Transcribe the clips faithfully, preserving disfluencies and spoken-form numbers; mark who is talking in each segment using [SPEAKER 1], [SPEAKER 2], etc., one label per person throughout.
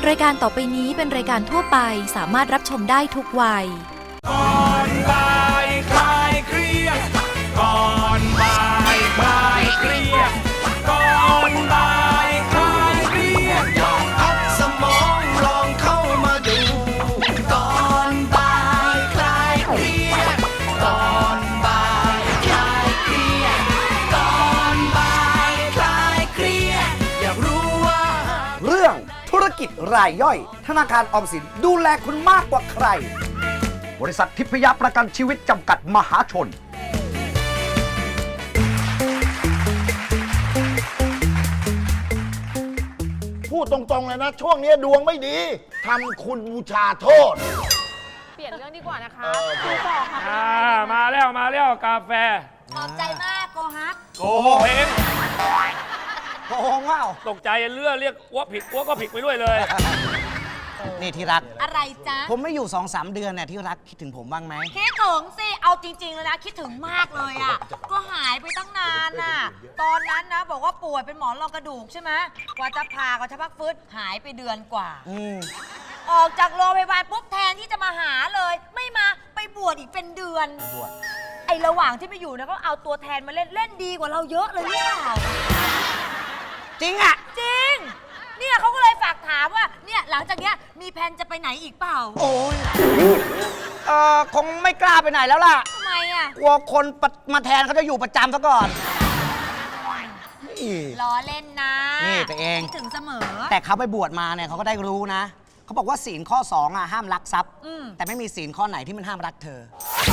[SPEAKER 1] รายการต่อไปนี้เป็นรายการทั่วไปสามารถรับชมได้ทุกวัย
[SPEAKER 2] ก่อนบ่ายคลายเครียดก่อนบ่ายคลายเครียดก่อนบ่ายคลายเครียดลองพักสมองลองเข้ามาดูก่อนบ่ายคลายเครียดก่อนบ่ายคลายเครียดก่อนบ่ายคลายเครียดอยากรู้ว่า
[SPEAKER 3] เรื่องธุรกิจรายย่อยธนาคารออมสินดูแลคุณมากกว่าใครบริษัททิพยประกันชีวิตจำกัดมหาชน
[SPEAKER 4] พูดตรงๆเลยนะช่วงนี้ดวงไม่ดีทำคุณบูชาโทษ
[SPEAKER 5] เปลี่ยนเรื่องดีกว่านะคะ
[SPEAKER 4] เออ
[SPEAKER 5] ดูต่อค่ะ
[SPEAKER 6] อ่ามาแล้วมาแล้วกาแฟ
[SPEAKER 5] ขอบใจมากโกฮัก
[SPEAKER 6] โกหกเอง
[SPEAKER 3] โกงว่า
[SPEAKER 6] ตกใจเลือเรียกอ้วผิดอ้วก็ผิดไปด้วยเลย
[SPEAKER 3] นี่ที่รัก
[SPEAKER 5] อะไรจ๊ะ
[SPEAKER 3] ผมไม่อยู่สองสามเดือนเนี่ยที่รักคิดถึงผมบ้างไหม
[SPEAKER 5] คิดถึงสิ เอาจริงๆเลยนะ คิดถึงมากเลยอ่ะ ก็หายไปตั้งนานน่ะ ตอนนั้นนะ บอกว่าป่วยเป็นหมอนรองกระดูกใช่ไหมกว่าจะผ่ากว่าจะพักฟื้นหายไปเดือนกว่า
[SPEAKER 3] อืม
[SPEAKER 5] ออกจากโรงพยาบาลปุ๊บแทนที่จะมาหาเลย ไม่มาไปบวชอีกเป็นเดือน
[SPEAKER 3] บวช
[SPEAKER 5] ไอ้ระหว่างที่ไปอยู่นะก็เอาตัวแทนมาเล่นเล่นดีกว่าเราเยอะเลยหรือเปล่า
[SPEAKER 3] จริงอ่ะ
[SPEAKER 5] จริง เนี่ยเขาก็เลยฝากถามว่า เนี่ยหลังจากเนี้ยมีแผนจะไปไหนอีกเปล่า
[SPEAKER 3] โอ้ยเอ่อคงไม่กล้าไปไหนแล้วล่ะ
[SPEAKER 5] ทำไมอ่ะ
[SPEAKER 3] กลัวคนปะมาแทนเขาจะอยู่ประจำซะก่อนนี่
[SPEAKER 5] ล้อเล่นนะ
[SPEAKER 3] นี่ตัวเอง
[SPEAKER 5] คิดถึงเสมอ
[SPEAKER 3] แต่เขาไปบวชมาเนี่ยเขาก็ได้รู้นะเขาบอกว่าศีลข้อสองอ่ะห้ามลักทรัพย์
[SPEAKER 5] อืม
[SPEAKER 3] แต่ไม่มีศีลข้อไหนที่มันห้ามรักเธอ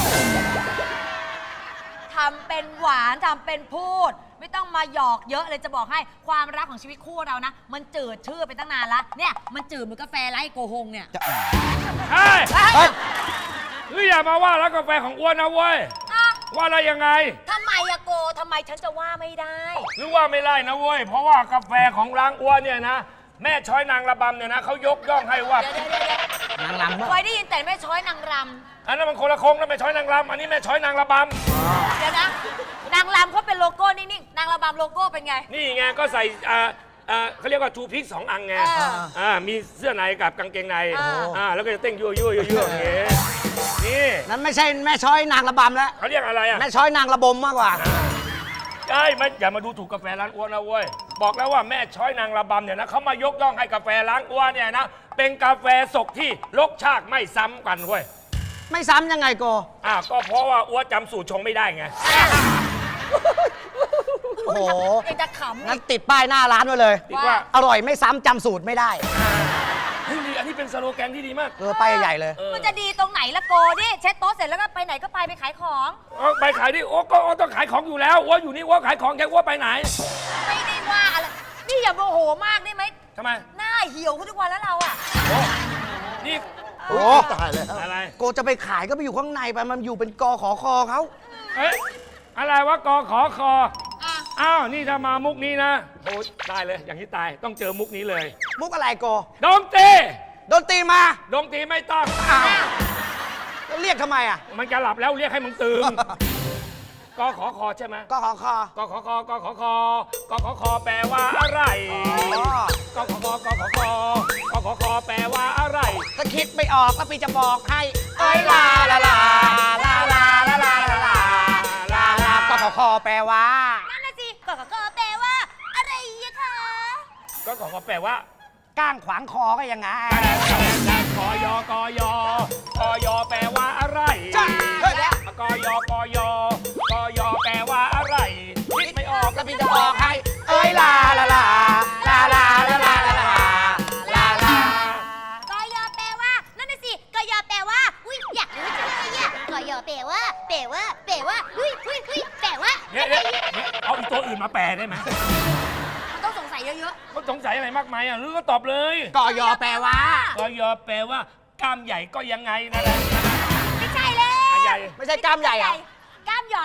[SPEAKER 5] ทำเป็นหวานทำเป็นพูด ไม่ต้องมาหยอกเยอะเลยจะบอกให้ความรักของชีวิตคู่เรานะ มันจืดชื่อไปตั้งนานละเนี่ยมันจืดเหมือนกาแฟไร้โกหงเนี่ย
[SPEAKER 3] จะ
[SPEAKER 6] เฮ้ย
[SPEAKER 3] เฮ้ย
[SPEAKER 6] หรืออย่ามาว่าร้านกาแฟของอ้วนนะเว้ย
[SPEAKER 5] อ่ะ
[SPEAKER 6] ว่าอะไรยังไง
[SPEAKER 5] ทำไมอะโกทำไมฉันจะว่าไม่ได้
[SPEAKER 6] หรือว่าไม่ไล่นะเว้ย เพราะว่ากาแฟของร้านอ้วนเนี่ยนะ แม่ช้อยนางระบำเนี่ยนะเขายกย่องให้ว่า
[SPEAKER 5] เดี๋ยวเดี๋ยวเดี๋ยวน
[SPEAKER 3] างรำ
[SPEAKER 5] เคยได้ยินแต่แม่ช้อยนางร
[SPEAKER 6] อันนั้นมันคนละคงนะแม่ช้อยนางรำอันนี้แม่ช้อยนางระบ
[SPEAKER 5] ำเดี๋ยวนะนางรำเขาเป็นโลโก้นิ่งๆนางระบำโลโก้เป็นไง
[SPEAKER 6] ำนี่ไงก็ใส่อ่าอ่าเขาเรียกว่าทูพิกสองอังไง
[SPEAKER 5] เออ
[SPEAKER 6] อ่ามีเสื้อในกับกางเกงใน
[SPEAKER 5] เอออ่
[SPEAKER 6] อ่าแล้วก็จะเต้นยั่วยั่วยั่วยั่วอย่างเงี้ยนี่
[SPEAKER 3] นั้นไม่ใช่แม่ช้อยนางระบำแล้ว
[SPEAKER 6] เขาเรียกอะไรอ่ะ
[SPEAKER 3] แม่ช้อยนางระบมมากกว่า
[SPEAKER 6] ใช่ไม่อย่ามาดูถูกกาแฟร้านอ้วนนะเว้ย บอกแล้วว่าแม่ช้อยนางระบำเนี่ยนะเขามายกย่องให้กาแฟร้านอ้วนเนี่ยนะเป็นกาแฟสกที่รสชาติไม่ซ้ำกันเว้ย
[SPEAKER 3] ไม่ซ้ำยังไงโก
[SPEAKER 6] อ่าก็เพราะว่าอ้วนจำสูตรชงไม่ได้ไง
[SPEAKER 3] โอ้โห
[SPEAKER 5] เป็นจะขำ
[SPEAKER 3] งั้
[SPEAKER 5] อี
[SPEAKER 3] น
[SPEAKER 5] ก
[SPEAKER 3] ติดป้ายหน้าร้านไว้เลย
[SPEAKER 6] ติดว่า
[SPEAKER 3] อร่อยไม่ซ้ำจำสูตรไม่ได้
[SPEAKER 6] เฮ้ยนี่อันนี้เป็นสโลแกนที่ดีมาก
[SPEAKER 3] เออป้ายใหญ่ๆเลย
[SPEAKER 6] เออ
[SPEAKER 5] มันจะดีตรงไหนละโกดิเช็ดโต๊ะเสร็จแล้วก็ไปไหนก็ไปไปขายของ
[SPEAKER 6] เอาไปขายดิโอ้ก็โอ้ต้องขายของอยู่แล้วอ้วนอยู่นี่อ้วนขายของแกอ้วนไปไหน
[SPEAKER 5] ไม่ได้ว่าอะไรนี่อย่าโมโหมากได้ไหม
[SPEAKER 6] ทำไม
[SPEAKER 5] หน้าเหี่ยวขึ้นทุกวันแล้วเราอะ
[SPEAKER 6] นี่
[SPEAKER 3] โอ้
[SPEAKER 4] ตายแล้ว
[SPEAKER 6] อะไร
[SPEAKER 3] โกจะไปขายก็ไปอยู่ข้างในไปมันอยู่เป็นกอขอคอเขา
[SPEAKER 6] เอ๊ะอะไรวะกอขอคอ
[SPEAKER 5] อ่ะ
[SPEAKER 6] อ้าวนี่ถ้ามามุกนี้นะโอ้ตายเลยอย่างที่ตายต้องเจอมุกนี้เลย
[SPEAKER 3] มุกอะไรโก
[SPEAKER 6] ดนตรี
[SPEAKER 3] โดนตีมา
[SPEAKER 6] ดนตรีไม่ต้อง
[SPEAKER 3] อ้าวแล้วเรียกทำไมอ่ะ
[SPEAKER 6] มันจะหลับแล้วเรียกให้มึงตื่น กอขอคอใช่ไหม
[SPEAKER 3] กอขอคอก
[SPEAKER 6] อขอคอกอขอคอกอขอคอแปลว่าอะไร
[SPEAKER 3] อ๋อก
[SPEAKER 6] อขอคอกอขอคอกอขอคอแปลว่าอะไร
[SPEAKER 3] ถ้าคิดไม่ออกก็ปีจะบอกให้เอ้ยลาลาลาลาลาลาลาลาลาลาลากอขอคอแปลว่า
[SPEAKER 5] นั่นน่ะสิก็ก็แปลว่า อะไรอะคะ
[SPEAKER 6] กอขอคอแปลว่า
[SPEAKER 3] ก้างขวางคอก็ยังไง
[SPEAKER 6] กอยอกอยอกอยอแปลว่าอะไร
[SPEAKER 3] จ้ะเฮ้ย
[SPEAKER 6] กอยอกอยอกอยอแปลว่าอะไรคิดไม่ออก
[SPEAKER 3] ก็ปีจะบอกให้เอ้ยลาลาลาลาลาลาลาลาลาลาลา
[SPEAKER 5] กยอแปลว่า นั่นน่ะสิกยอแปลว่า อุ้ยอยากรู้จังเลยอะกยอแปลว่า แปลว่า แปลว่าอุ้ยอุ้ยอุ้ยแปลว่า
[SPEAKER 6] เนี่ยเนี่ยเนี่ยเอาอีกตัวอื่นมาแปลได้ไหม
[SPEAKER 5] มันต้องสงสัยเยอะ
[SPEAKER 6] มันสงสัยอะไรมากมายอ่ะหรือก็ตอบเลย
[SPEAKER 3] กอยอแปลว่า
[SPEAKER 6] กอยอแปลว่ากล้ามใหญ่ก็ยังไงนั่นแหละ
[SPEAKER 5] ๆ ไม่ใช่แล้ว
[SPEAKER 6] อ่ะใหญ่
[SPEAKER 3] ไม่ใช่กล้ามใหญ่เหรอ
[SPEAKER 5] กล้ามหย่อน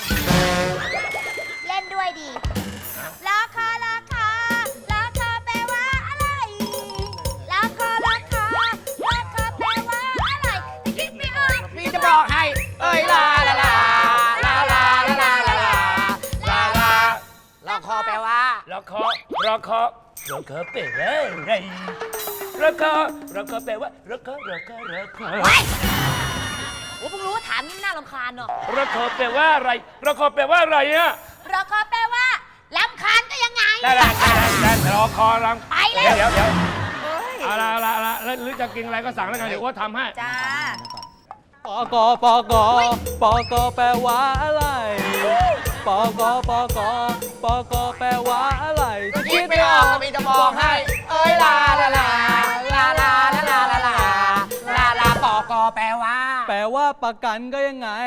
[SPEAKER 5] เล่นด้วยดีราคาราคาราคาแปลว่าอะไรราคาราคาราคาแปลว่าอะไรแต่คิดไม่ออก
[SPEAKER 3] พี่จะบอกให้เอ้ยลาลาลาลาลาลาลาลาลาลาลาคอแปลว่า
[SPEAKER 6] รอคอรอคอรอคอแปลว่าอะไรระกอระกอแปลว่าระกอระกอระกอ
[SPEAKER 5] โอ้เพิ่งรู้ว่าถามนี่น่ารำคาญเนาะ
[SPEAKER 6] ระกอแปลว่าอะไรระกอแปลว่าอะไรอะ
[SPEAKER 5] เราก็แปลว่าลำคาญก็ยังไง
[SPEAKER 6] ได้ได้ได้ได้รอคอรัง
[SPEAKER 5] ไปเลย
[SPEAKER 6] เดี๋ยวเดี๋ยว
[SPEAKER 5] เฮ้ย
[SPEAKER 6] เอาละเอาละเอาละแล้วหรือจะกินอะไรก็สั่งแล้วกันเดี๋ยวอ้วนทำให้
[SPEAKER 5] จ้า
[SPEAKER 7] ปกปกปกแปลว่าอะไรปกปกปกแปลว่าอะไร
[SPEAKER 3] คิดไม่ออกก็มีจะบอกให้ เอ้ยลาลาลาลาลาลาลาลาลาลาลาปอกอแปลว่า
[SPEAKER 7] แปลว่าประกันก็ยังไง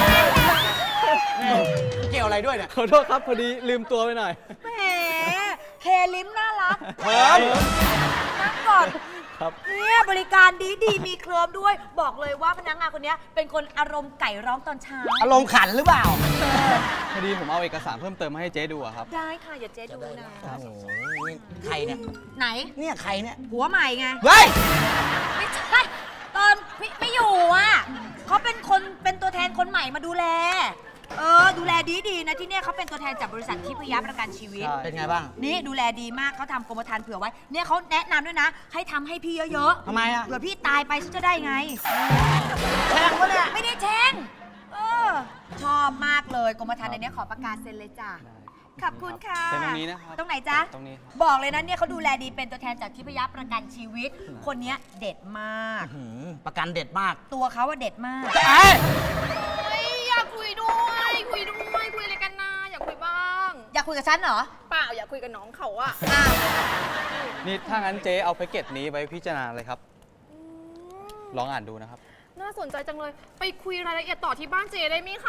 [SPEAKER 3] เกี่ยวอะไรด้วยเนี่ย
[SPEAKER 7] ขอโทษครับพอดีลืมตัวไปหน่อย
[SPEAKER 5] แหมเคลิมน่ารัก
[SPEAKER 3] เขิน
[SPEAKER 5] นั่งก่อน
[SPEAKER 7] ครับ
[SPEAKER 5] เนี่ยบริการดีดีมีเคลิมด้วย บอกเลยว่าพนักงานคนนี้เป็นคนอารมณ์ไก่ร้องตอนเช้า
[SPEAKER 3] อารมณ์ขันหรือเปล่า
[SPEAKER 7] พอดีผมเอาเอกสารเพิ่มเติมมาให้เจ๊ดูอะครับ
[SPEAKER 5] ได้ค่ะ อย่าเจ๊ดูนะ
[SPEAKER 3] โอ้โหนี่ใครเนี่ย
[SPEAKER 5] ไหน
[SPEAKER 3] เนี่ยใครเนี่ย
[SPEAKER 5] หัวใหม่ไง
[SPEAKER 3] เฮ้ย
[SPEAKER 5] ไม่ใช่ตอนไม่ไม่อยู่อ่ะเขาเป็นคนเป็นตัวแทนคนใหม่มาดูแล เออ ดูแลดีดีๆนะที่เนี่ยเขาเป็นตัวแทนจากบริษัททิพยประกันชีวิต
[SPEAKER 7] ใช่
[SPEAKER 3] เป็นไงบ้าง
[SPEAKER 5] นี่ดูแลดีมากเขาทำกรมธรรม์เผื่อไว้ เนี่ยเขาแนะนำด้วยนะ ให้ทำให้พี่เยอะๆ
[SPEAKER 3] ทำไมอะ
[SPEAKER 5] เผื่อพี่ตายไปฉันจะได้ไง
[SPEAKER 3] แช่งวะเนี่ย
[SPEAKER 5] ไม่ได้แช่งเออ ชอบมากเลยกรมธรรม์ในเนี้ยขอประกาศเซ็นเลยจ้ะ ขอบคุณค่ะ
[SPEAKER 7] เซ็นตรงนี้นะครับ
[SPEAKER 5] ตรงไหนจ๊ะ
[SPEAKER 7] ตรงนี้ครับ
[SPEAKER 5] บอกเลยนะเนี่ยเขาดูแลดีเป็นตัวแทนจากทิพยประกันชีวิต คนเนี้ยเด็ดมาก
[SPEAKER 3] หืมประกันเด็ดมาก
[SPEAKER 5] ตัวเขาว่าเด็ดมาก
[SPEAKER 3] จะไอ้
[SPEAKER 8] อยากคุยด้วย คุยด้วย คุยอะไรกันนะอยากคุยบ้าง
[SPEAKER 5] อยากคุยกับฉันเหรอ
[SPEAKER 8] เปล่าอยากคุยกับน้องเขาอะ
[SPEAKER 5] อ้าว
[SPEAKER 7] นี่ถ้างั้นเจ๊เอาแพ็กเกจนี้ไว้พิจารณาเลยครับ ลองอ่านดูนะครับ
[SPEAKER 8] น่าสนใจจังเลย ไปคุยรายละเอียดต่อที่บ้านเจได้ไหมคะ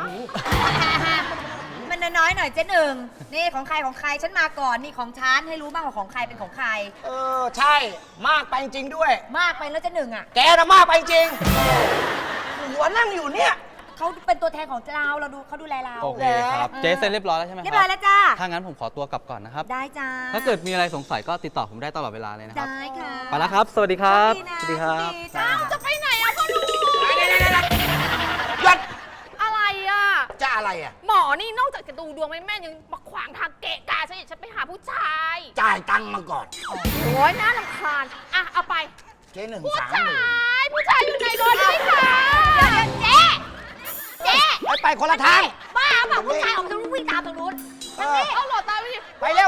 [SPEAKER 5] มันน้อยๆหน่อยเจ๊หนึ่งนี่ของใครของใครฉันมาก่อนนี่ของฉันให้รู้บ้างว่าของใครเป็นของใคร
[SPEAKER 3] เออ ใช่ มากไปจริงด้วย
[SPEAKER 5] มากไปแล้วเจ๊หนึ่งอ่ะ
[SPEAKER 3] แกน่ะมากไปจริง หัวนั่งอยู่เนี่ย
[SPEAKER 5] เขาเป็นตัวแทนของเราเราดูเขาดูแลเรา
[SPEAKER 7] โอเคครับ เจ๊เซ็นเรียบร้อยแล้วใช่ไหมครับ
[SPEAKER 5] เรียบร้อยแล้วจ้า
[SPEAKER 7] ถ้างั้นผมขอตัวกลับก่อนนะครับ
[SPEAKER 5] ได้จ้า
[SPEAKER 7] ถ้าเกิดมีอะไรสงสัยก็ติดต่อผมได้ตลอดเวลาเลยนะครับ
[SPEAKER 5] ได้ค่ะ
[SPEAKER 7] ไปแล้วครับ สวัสดีครับ
[SPEAKER 5] โชดีนะ
[SPEAKER 7] สวัสดีครับ
[SPEAKER 5] โชดีจ้า
[SPEAKER 8] จะไปไหนอะพ่อหนุ่ม
[SPEAKER 3] หยุด
[SPEAKER 8] อะไรอะ
[SPEAKER 3] จะอะไรอ่ะ
[SPEAKER 8] หมอนี่นอกจากจะดูดวงไม่แม่นยังมาขวางทางเกะกะฉันอีกฉันไปหาผู้ชาย
[SPEAKER 3] จ่ายตังค์มาก่อน
[SPEAKER 8] โอ้ยน่ารำคาญอะเอาไป
[SPEAKER 3] เจ๊หนึ่ง
[SPEAKER 8] ผู้
[SPEAKER 3] สาม
[SPEAKER 8] ชา
[SPEAKER 3] หมื่น
[SPEAKER 8] ย ผู้ชายอยู่ในรถด้วยค่ะ
[SPEAKER 5] เจ๊เจ๊
[SPEAKER 3] ไปไปคนละทาง
[SPEAKER 5] บ้าเปล่าผู้ชายออกทางนู้นวิ่งตามทางนู้น
[SPEAKER 3] เออ
[SPEAKER 8] เอาหลอดตาไปดิ
[SPEAKER 3] ไปเร็ว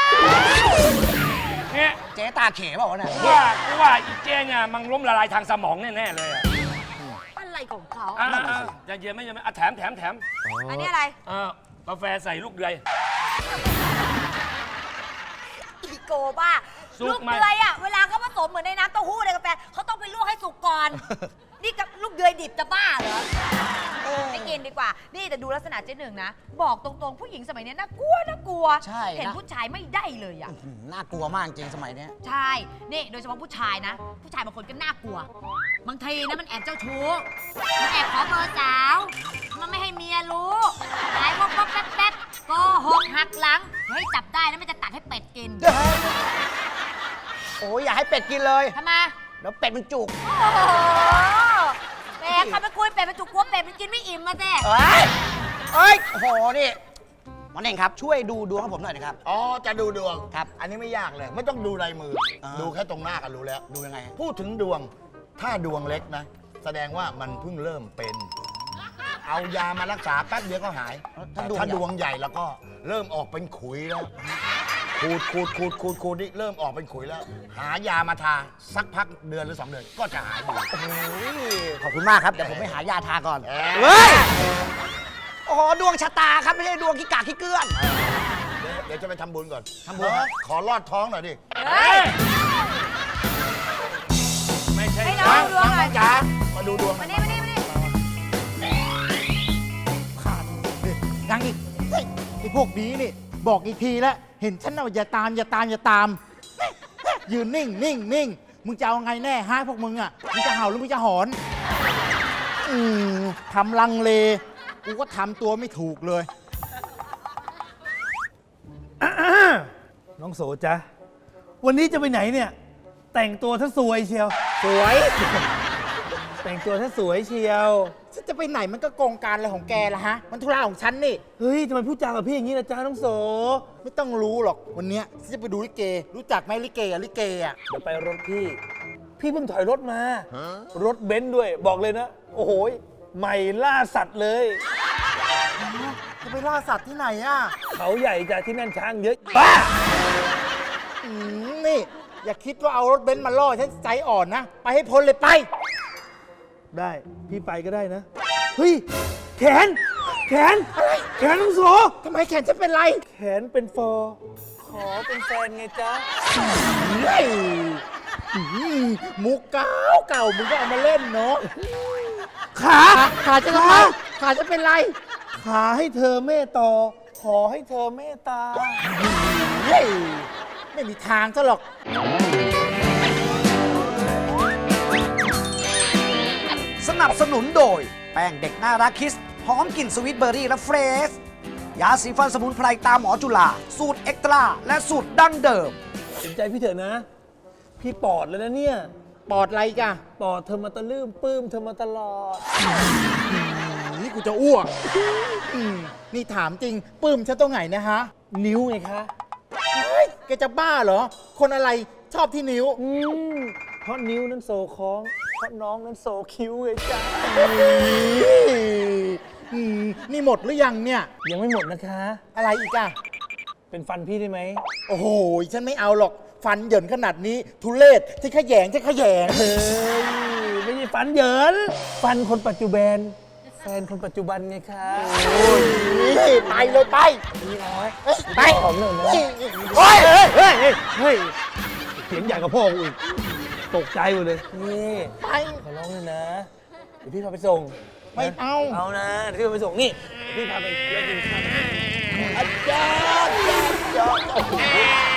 [SPEAKER 6] เนี่ย
[SPEAKER 3] เจ๊ตาเขเปล่าวะเนี่ย
[SPEAKER 6] ว่าว่าอีเจเนี่ยมันล้มละลายทางสมองแน่ๆเลยอะ
[SPEAKER 5] อะไรของเขา
[SPEAKER 6] อ่ะอ่ะอ่ะอย่าเย็นไม่เย็นไม่อ่ะแถมแถมแถม
[SPEAKER 5] อันนี้อะไร
[SPEAKER 6] อ่ากาแฟใส่ลูกเดือย
[SPEAKER 5] อีโกบ้า
[SPEAKER 6] สุก
[SPEAKER 5] ลูก
[SPEAKER 6] ไหม
[SPEAKER 5] เดือยอ่ะเวลาเขาผสมเหมือนในน้ำเต้าหู้ในกาแฟเขาต้องไปลวกให้สุกก่อน นี่กับลูกเดือยดิบจะบ้าเหรอไม่กินดีกว่า นี่แต่ดูลักษณะเจ๊หนึ่งนะ บอกตรงๆผู้หญิงสมัยนี้น่ากลัวน่ากลัว
[SPEAKER 3] ใช่นะ
[SPEAKER 5] เห็นผู้ชายไม่ได้เลยอ่ะ
[SPEAKER 3] หืมน่ากลัวมากจริงสมัยเนี้ย
[SPEAKER 5] ใช่ นี่โดยเฉพาะผู้ชายนะ ผู้ชายบางคนก็น่ากลัว บางทีนะมันแอบเจ้าชู้ มันแอบขอเบอร์สาว มันไม่ให้เมียรู้หายวับวับแป๊บแป๊บโกหกหักหลัง เฮ้ยจับได้แล้วมันจะตัดให้เป็ดกิน
[SPEAKER 3] โอ้ยอย่าให้เป็ดกินเลย
[SPEAKER 5] ทำไม
[SPEAKER 3] เดี๋ยวเป็ดมันจุก
[SPEAKER 5] โอ้โหแหมใครไปคุยเป็ดมันจุกกลัวเป็ดมันกินไม่อิ่มมาแน่
[SPEAKER 3] เอ้ยเอ้ย โอ้โห นี่หมอเน่งครับ ช่วยดูดวงให้ผมหน่อยนะครับ
[SPEAKER 4] อ๋อ จะดูดวง
[SPEAKER 3] ครับ
[SPEAKER 4] อันนี้ไม่ยากเลย ไม่ต้องดูลายมือ
[SPEAKER 3] อ่า
[SPEAKER 4] ดูแค่ตรงหน้าก็รู้แล้ว
[SPEAKER 3] ดูยังไง
[SPEAKER 4] พูดถึงดวง ถ้าดวงเล็กนะ แสดงว่ามันเพิ่งเริ่มเป็น เอายามารักษาแป๊บเดียวก็หาย
[SPEAKER 3] ถ้า
[SPEAKER 4] แต่
[SPEAKER 3] ดวง
[SPEAKER 4] ถ้า
[SPEAKER 3] ใหญ่
[SPEAKER 4] ดวงใหญ่แล้วก็เริ่มออกเป็นขุยแล้ว ขูดขูดขูดขูดขูดนี่เริ่มออกเป็นขุยแล้ว หายามาทาสักพักเดือนหรือสองเดือนก็จะหายดี
[SPEAKER 3] โอ้ยขอบคุณมากครับ เดี๋ยวผมไปหายาทาก่อน
[SPEAKER 4] เอ้ย
[SPEAKER 3] เฮ้ย โอ้โห ดวงชะตาครับ ไม่ใช่ดวงขี้กากขี้เกลื่อน
[SPEAKER 4] เดี๋ยวเดี๋ยวจะไปทำบุญก่อน
[SPEAKER 3] ทำบุญ
[SPEAKER 4] เออขอลอดท้องหน่อยดิ
[SPEAKER 5] เฮ้ย
[SPEAKER 6] ไม่ใช่
[SPEAKER 5] ให้น้องดวงหน่อย
[SPEAKER 4] จ๋ามาดูดวง
[SPEAKER 5] มานี่มานี่มานี่
[SPEAKER 9] ยังอีกเฮ้ยไอ้พวกนี้นี่ บอกอีกทีแล้ว เห็นฉันเอาอย่าตามอย่าตามอย่าตาม ยืนนิ่งนิ่งนิ่งมึงจะเอาไงแน่ฮะพวกมึงอ่ะมึงจะเห่าหรือมึงจะหอน อืมทำลังเล กูก็ทำตัวไม่ถูกเลย
[SPEAKER 10] น้องโสจ๊ะ วันนี้จะไปไหนเนี่ย แต่งตัวซะสวยเชียว
[SPEAKER 9] สวย
[SPEAKER 10] แต่งตัวซะสวยเชียว
[SPEAKER 9] ฉันจะจะไปไหนมันก็โกงการอะไรของแกล่ะฮะ มันธุระของฉันนี่
[SPEAKER 10] เฮ้ยทำไมพูดจากับพี่อย่างนี้ล่ะจ้าน้องโส
[SPEAKER 9] ไม่ต้องรู้หรอกวันเนี้ยฉันจะไปดูลิเก รู้จักไหมลิเกอะลิเกอะ
[SPEAKER 10] เดี๋ยวไปรถพี่ พี่เพิ่งถอยรถมา รถเบนซ์ด้วย บอกเลยนะ โอ้โหยใหม่ล่าสัตว์เลย
[SPEAKER 9] จะไปล่าสัตว์ที่ไหนอะ
[SPEAKER 10] เขาใหญ่จ้ะที่นั่นช้างเยอะบ้า
[SPEAKER 9] อืมนี่ อย่าคิดว่าเอารถเบนซ์มาล่อฉันใจอ่อนนะ ไปให้พ้นเลยไป
[SPEAKER 10] ได้พี่ไปก็ได้นะ เฮ้ย แขน แขน แขนน้องโส
[SPEAKER 9] ทำไมแขนฉันเป็นไร
[SPEAKER 10] แขนเป็นฟอร์ขอเป็นแฟนไงจ๊ะ
[SPEAKER 9] เฮ้ยอืมมุกเก่าเก่ามึงก็เอามาเล่นเนาะ
[SPEAKER 10] ขา
[SPEAKER 9] ขาจะทำไมขาจะเป็นไร
[SPEAKER 10] ขาให้เธอเมตตาขอให้เธอเมตตา
[SPEAKER 9] เฮ้ยไม่มีทางซะหรอก
[SPEAKER 3] สนับสนุนโดย แป้งเด็กน่ารักคิสหอมกลิ่นสวิตเบอร์รี่และเฟรชยาสีฟันสมุนไพรตามหมอจุฬาสูตรเอ็กตร้าและสูตรดั้งเดิม
[SPEAKER 10] เห็นใจพี่เถอะนะ พี่ปอดแล้วนะเนี่ย
[SPEAKER 9] ปอดอะไรกะ
[SPEAKER 10] ปอดเธอมาตะลืมปลื้มเธอมาตลอด
[SPEAKER 9] นี่กูจะอ้วกอืมนี่ถามจริงปื้มฉันตรงไหนเนะฮะ
[SPEAKER 10] นิ้วไงคะ
[SPEAKER 9] เฮ้ยแกจะบ้าเหรอ คนอะไรชอบที่นิ้ว
[SPEAKER 10] อืมเพราะนิ้วนั้นโซคล้อง เพราะน้องนั้นโซคิ้วไงจ้า
[SPEAKER 9] อืมนี่หมดหรือยังเนี่ย
[SPEAKER 10] ยังไม่หมดนะคะ
[SPEAKER 9] อะไรอีกอะ
[SPEAKER 10] เป็นฟันพี่ได้ไหม
[SPEAKER 9] โอ้โห ฉันไม่เอาหรอก ฟันเหยินขนาดนี้ ทุเลศที่ขยงที่ขยง
[SPEAKER 10] เฮ้ย ไม่ใช่ฟันเหยิน ฟันคนปัจจุบัน แฟนคนปัจจุบันไงคะ
[SPEAKER 9] โอ้ยไปเลยไป
[SPEAKER 10] นี่น้อย
[SPEAKER 9] เอ้ยไป
[SPEAKER 10] หอมหน่อยนะ
[SPEAKER 9] โอ้ย
[SPEAKER 10] เฮ้ยเฮ้ยเฮ้ยเฮ้ยเสียงใหญ่กับพ่อกูอีก ตกใจหมดเลย นี่
[SPEAKER 9] ไป
[SPEAKER 10] ขอร้องเลยนะ เดี๋ยวพี่พาไปส่ง
[SPEAKER 9] ไม่เอา
[SPEAKER 10] เอานะ เดี๋ยวพี่พาไปส่งนี่เดี๋ยวพี่พาไปเลี้ยงกินข้าว
[SPEAKER 9] อาจารย์อาจารย์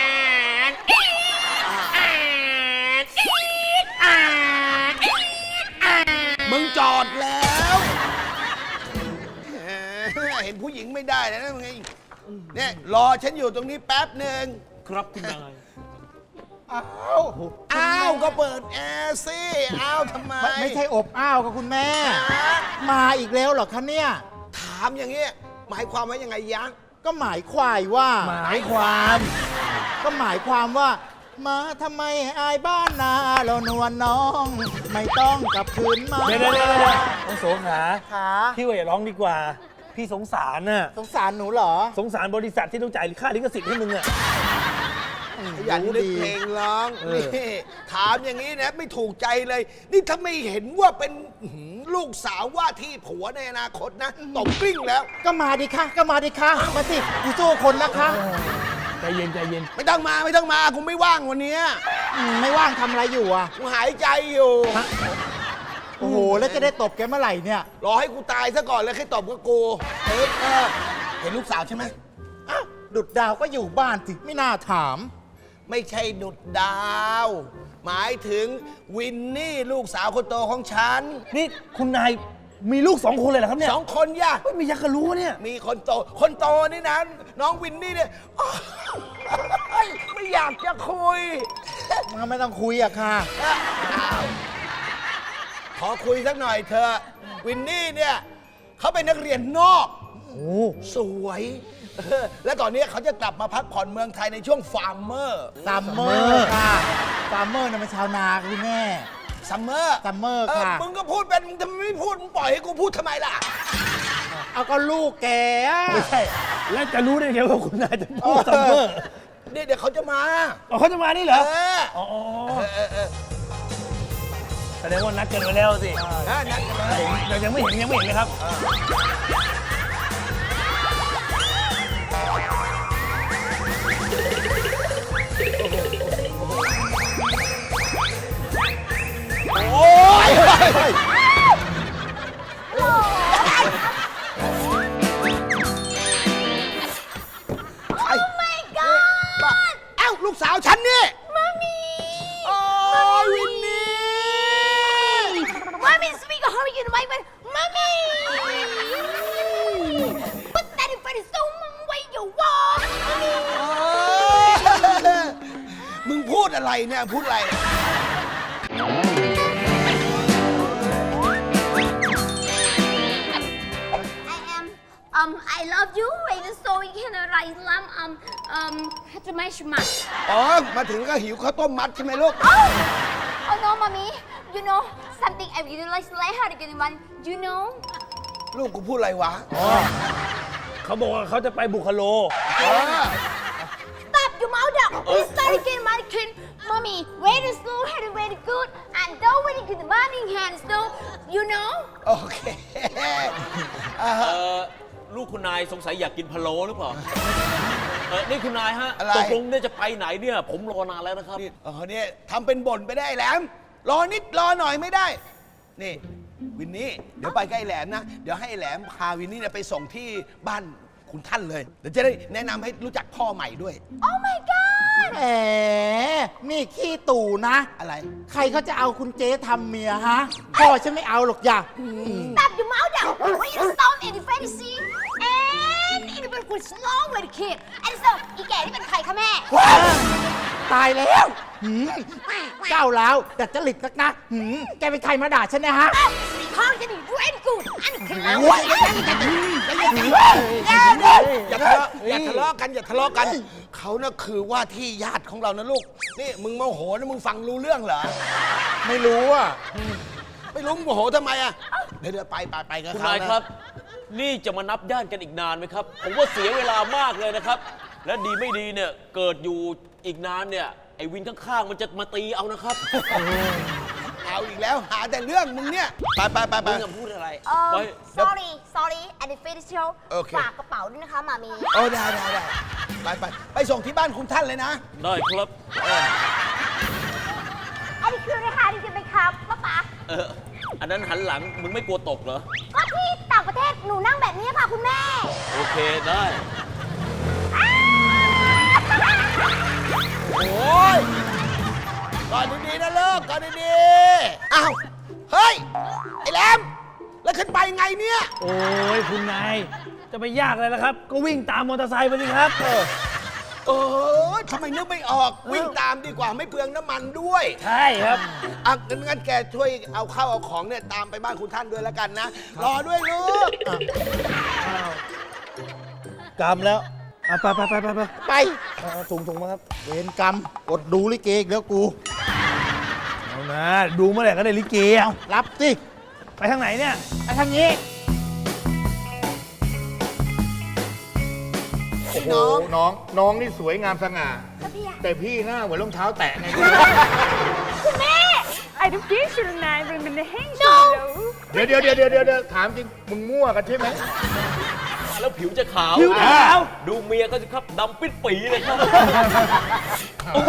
[SPEAKER 4] มึงจอดแล้วแหมเห็นผู้หญิงไม่ได้แล้วนะมึงไงเนี่ยรอฉันอยู่ตรงนี้แป๊บหนึ่ง
[SPEAKER 10] ครับคุณนาย
[SPEAKER 4] อ้าวอ้าวก็เปิดแอร์สิอ้าวทำไม
[SPEAKER 9] ไม่ไม่ใช่อบอ้าวกับคุณแม่ มาอีกแล้วเหรอคะเนี่ย
[SPEAKER 4] ถามอย่างเงี้ยหมายความว่ายังไงยักษ์
[SPEAKER 9] ก็หมายควายว่า
[SPEAKER 10] หมายความ
[SPEAKER 9] ก็หมายความว่า มาทำไมอายบ้านนาเรานวลน้อง ไม่ต้องกลับคืนมา
[SPEAKER 10] เดี๋ยวเดี๋ยวเดี๋ยวเดี๋ยวน้องโสขา
[SPEAKER 9] ขา
[SPEAKER 10] พี่ว่าอย่าร้องดีกว่า พี่สงสารน่ะ
[SPEAKER 9] สงสารหนูเหรอ
[SPEAKER 10] สงสารบริษัทที่ต้องจ่ายค่าลิขสิทธิ์ให้มึงอ่ะ
[SPEAKER 4] ขยันนึกเพลงร้อง
[SPEAKER 10] เออ
[SPEAKER 4] นี่ถามอย่างนี้นะไม่ถูกใจเลย นี่ถ้าไม่เห็นว่าเป็นอื้อหือลูกสาวว่าที่ผัวในอนาคตนะตบกลิ้งแล้ว
[SPEAKER 9] ก็มาดิค่ะก็มาดิค่ะมาสิกูสู้คนนะคะ
[SPEAKER 10] ใจเย็นใจเย็น
[SPEAKER 4] ไม่ต้องมาไม่ต้องมากูไม่ว่างวันเนี้ย
[SPEAKER 9] อืมไม่ว่างทำอะไรอยู่อ่ะ
[SPEAKER 4] กูหายใจอยู่
[SPEAKER 9] โอ้โห แล้วจะได้ตบแกเมื่อไหร่เนี่ย
[SPEAKER 4] รอให้กูตายซะก่อนแล้วค่อยตบกับกูเออเออเห็นลูกสาวใช่ไหม
[SPEAKER 9] อ้าวดุดดาวก็อยู่บ้านสิไม่น่าถาม
[SPEAKER 4] ไม่ใช่ดุดดาว หมายถึงวินนี่ลูกสาวคนโตของฉัน
[SPEAKER 10] นี่คุณนายมีลูกสองคนเลยเหรอครับเนี่ย
[SPEAKER 4] สองคนย่ะ
[SPEAKER 10] เฮ้ยมียักษ์กระรู้เนี่ย
[SPEAKER 4] มีคนโต คนโตนี่นะ น้องวินนี่เนี่ยโอ๊ยไม่อยากจะคุย
[SPEAKER 9] มันไม่ต้องคุยอะค่ะ
[SPEAKER 4] ขอคุยสักหน่อยเถอะวินนี่เนี่ยเขาเป็นนักเรียนนอก
[SPEAKER 10] โอ้
[SPEAKER 4] สวยเออและตอนนี้เขาจะกลับมาพักผ่อนเมืองไทยในช่วงฟาร์มเมอร์
[SPEAKER 9] ซัมเมอร์ค่ะซัมเมอร์น่ะเป็นชาวนาคุณแม่
[SPEAKER 4] ซัมเมอร์
[SPEAKER 9] ซัมเมอร์
[SPEAKER 4] เออ
[SPEAKER 9] ค่ะ
[SPEAKER 4] มึงก็พูดเป็นมึงทำไมไม่พูดมึงปล่อยให้กูพูดทำไมล่ะ
[SPEAKER 9] เอาก็ลูกแกอะ
[SPEAKER 10] ไม่ใช่ แล้วจะรู้ได้ไงว่าคุณนายจะพูดซัมเมอร์
[SPEAKER 4] เนี่ยเดี๋ยวเขาจะมา
[SPEAKER 10] อ๋อเขาจะมานี่เหรอ
[SPEAKER 4] เออ
[SPEAKER 10] อ๋อ
[SPEAKER 4] เออเออเออ
[SPEAKER 10] แสดงว่านัดกันไว้แล้วสิ
[SPEAKER 4] เออนัดกันเลย
[SPEAKER 10] เรายังไม่เห็นยังไม่เห็นเลยครับ
[SPEAKER 4] โอ้ยโอ้ my god เอ้าลูกสาวฉันนี่มามีโอ้ยวินนี่
[SPEAKER 8] Mommy, speak of hurry, you know, my Mommy! Put that in front of someone where you walk, Mommy!
[SPEAKER 4] มึงพูดอะไรเนี่ย พูดอะไร
[SPEAKER 8] um I love you and so we can write lam um um ฮัตไม่ชมา
[SPEAKER 4] อ๋อ มาถึงก็หิวข้าวต้มมัดใช่ไหมลูก
[SPEAKER 8] Oh no mommy you know something I really like like how to get one you know
[SPEAKER 4] ลูกกูพูดอะไรวะ
[SPEAKER 10] เขาบอกว่าเขาจะไปบุคโล
[SPEAKER 4] เออ
[SPEAKER 8] Stop your mouth up. We start again, mannequin. Mommy, very slow, very, very good. And don't very good morning hands, though. You know?
[SPEAKER 4] โอเคอ่า
[SPEAKER 11] เออลูกคุณนายสงสัยอยากกินพะโล้หรือเปล่า เออนี่คุณนายฮะ
[SPEAKER 4] อะไร
[SPEAKER 11] ตกลงเนี่ยจะไปไหนเนี่ย ผมรอนานแล้วนะครับ
[SPEAKER 4] นี่เออเนี่ยทำเป็นบ่นไปได้แหลม รอนิดรอหน่อยไม่ได้ นี่ วินนี่ เดี๋ยวไปใกล้แหลมนะ เดี๋ยวให้แหลมพาวินนี่เนี่ยไปส่งที่บ้านคุณท่านเลย เดี๋ยวจะได้แนะนำให้รู้จักพ่อใหม่ด้วย
[SPEAKER 8] Oh my god.
[SPEAKER 9] แหมนี่ขี้ตู่นะ
[SPEAKER 4] อะไร
[SPEAKER 9] ใครเขาจะเอาคุณเจ๊ทำเมียฮะ พ่อฉันไม่เอาหรอกอย่า
[SPEAKER 8] Stop your mouth up. When you stop in the fantasy. And in the good slow with the kid. And so, อีแก่นี่เป็นใครคะแม่
[SPEAKER 9] ตายแล้วหืมก้าวร้าวดัดจริตนักนะหืมแกเป็นใครมาด่าฉันเนะฮะ
[SPEAKER 8] How can you very good? And the kid.
[SPEAKER 4] อย่าทะเลาะอย่าทะเลาะกันอย่าทะเลาะกัน เขาน่ะคือว่าที่ญาติของเรานะลูก นี่มึงโมโหนะมึงฟังรู้เรื่องเหรอ
[SPEAKER 9] ไม่รู้อ่ะ
[SPEAKER 4] ไม่รู้มึงโมโหทำไมอ่ะ เดี๋ยวเดี๋ยวไปไปไปกับ
[SPEAKER 11] คุณ
[SPEAKER 4] เขา
[SPEAKER 11] นาย
[SPEAKER 4] นะครับ
[SPEAKER 11] นี่จะมานับย่านกันอีกนานไหมครับ ผมว่าเสียเวลามากเลยนะครับ และดีไม่ดีเนี่ย เกิดอยู่อีกนานเนี่ย ไอ้วินข้างๆ มันจะมาตีเอานะครับ
[SPEAKER 4] เอาอีกแล้วหาแต่เรื่องมึงเนี่ย ไปไปไปไป
[SPEAKER 11] มึงจะพูดอะไร
[SPEAKER 8] Um,
[SPEAKER 11] ไป
[SPEAKER 8] sorry, sorry. And the fantasy show.
[SPEAKER 4] โอเค
[SPEAKER 8] ฝากกระเป๋าด้วยนะคะมามี
[SPEAKER 4] โอ้ได้ได้ได้ไปไปไปส่งที่บ้านคุณท่านเลยนะ
[SPEAKER 11] ได้ครับ
[SPEAKER 8] อันนี้คือราคาที่จะไปครับป้าป๋า
[SPEAKER 11] เออ อันนั้นหันหลัง มึงไม่กลัวตกเหรอ
[SPEAKER 8] ก็ที่ต่างประเทศหนูนั่งแบบนี้ค่ะคุณแม่
[SPEAKER 11] โอเค ได้
[SPEAKER 4] โอ้ยก่อนดีๆนะลูกก่อนดีๆอ้าว เฮ้ย ไอ้แหลม แล้วขึ้นไปไงเนี่ย
[SPEAKER 10] โอ้ยคุณนาย จะไปยากอะไรล่ะครับ ก็วิ่งตามมอเตอร์ไซค์ไปสิครับ
[SPEAKER 4] เออทำไมนึกไม่ออก วิ่งตามดีกว่าไม่เปลืองน้ำมันด้วย
[SPEAKER 10] ใช่ครับ
[SPEAKER 4] อ่ะงั้นงั้นแกช่วยเอาข้าวเอาของเนี่ยตามไปบ้านคุณท่านด้วยแล้วกันนะ รอด้วยลูก
[SPEAKER 10] กรรมแล้วอ่ะไปไปไปไปไป
[SPEAKER 9] ไป
[SPEAKER 10] เอาถุงถุงมาครับ
[SPEAKER 9] เวรกรรมอดดูลิเกอีกแล้วกู
[SPEAKER 10] เอานะ ดูเมื่อไหร่ก็ได้ลิเกเอา
[SPEAKER 9] รับสิ
[SPEAKER 10] ไปทางไหนเนี่ย
[SPEAKER 9] ไปทางนี้
[SPEAKER 4] น้อง
[SPEAKER 12] น้องน้องนี่สวยงามสง่า แต่พี่หน้าเหมือนรองเท้าแตะไง
[SPEAKER 8] คุณแม่
[SPEAKER 13] I don't think so nine but in the hang
[SPEAKER 8] No.
[SPEAKER 12] เดี๋ยวเดี๋ยวเดี๋ยวเดี๋ยวเดี๋ยวถามจริง มึงมั่วกันใช่ไหม
[SPEAKER 11] แล้วผิวจะขาว
[SPEAKER 10] ผิวจะขาว
[SPEAKER 11] ดูเมียเขาสิครับดำปิดปีเลยครับ
[SPEAKER 10] โอ้โห